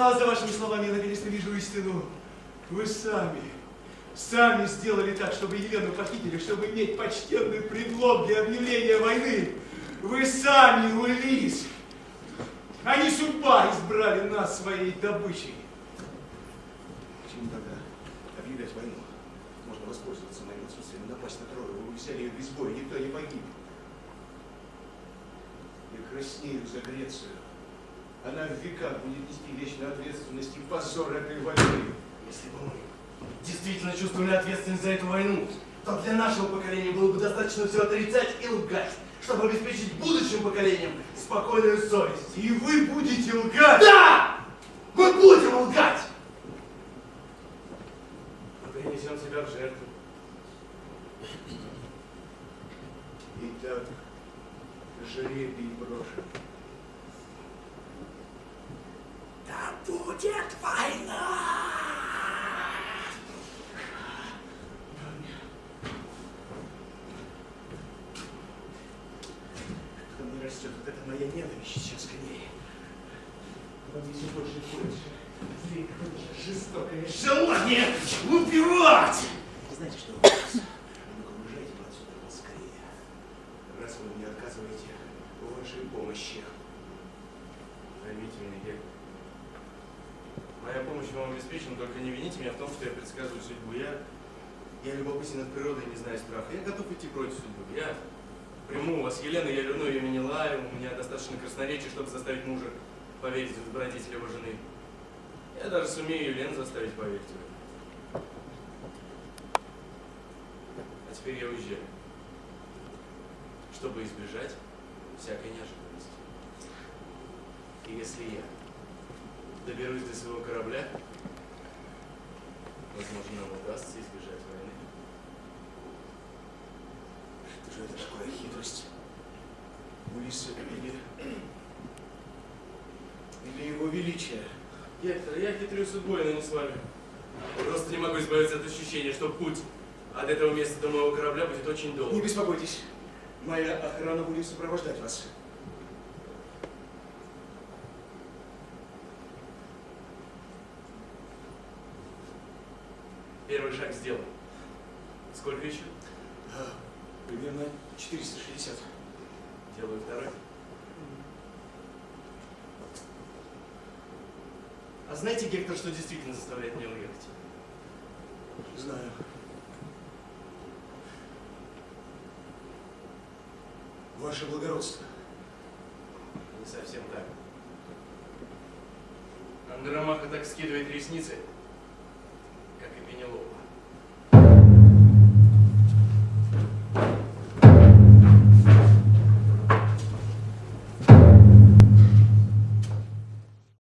А за вашими словами я наконец-то вижу истину. Вы сами сделали так, чтобы Елену похитили, чтобы иметь почтенный предлог для объявления войны. Вы сами, Улисс, а не судьба избрали нас своей добычей. Почему тогда объявлять войну? Можно воспользоваться моим отсутствием, напасть на Трою. Вы взяли ее без боя, никто не погиб. Я краснею за Грецию. Она в веках будет нести вечную ответственность и позор этой войны. Если бы мы действительно чувствовали ответственность за эту войну, то для нашего поколения было бы достаточно все отрицать и лгать, чтобы обеспечить будущим поколениям спокойную совесть. И вы будете лгать? Да! Мы будем лгать! Мы принесем себя в жертву. Итак, жребий брошен. Да будет война! Ко мне растет вот эта моя ненависть сейчас к ней. Во мне все больше и больше. Злее какое-то жестокое желание убивать! Знаете что, Улисс? Ну-ка, уезжайте вы отсюда поскорее. Раз вы мне отказываете в вашей помощи. Поймите меня, Гектор. Моя помощь вам обеспечена, только не вините меня в том, что я предсказываю судьбу. Я любопытен от природы и не знаю страха. Я готов идти против судьбы. Я приму у вас Елену, я верну ее Менелаю. У меня достаточно красноречия, чтобы заставить мужа поверить в добродетель его жены. Я даже сумею Елену заставить поверить в это. А теперь я уезжаю, чтобы избежать всякой неожиданности. И если я доберусь до своего корабля, возможно, нам удастся избежать войны. Что же это такое хитрость? Улисса или его величие? Гектор, я хитрю судьбой, но не с вами. Просто не могу избавиться от ощущения, что путь от этого места до моего корабля будет очень долг. Не беспокойтесь. Моя охрана будет сопровождать вас. Первый шаг сделан. Сколько еще? Примерно 460. Делаю второй. А знаете, Гектор, что действительно заставляет меня уехать? Знаю. Ваше благородство. Не совсем так. Андромаха так скидывает ресницы, как и Пенелопа.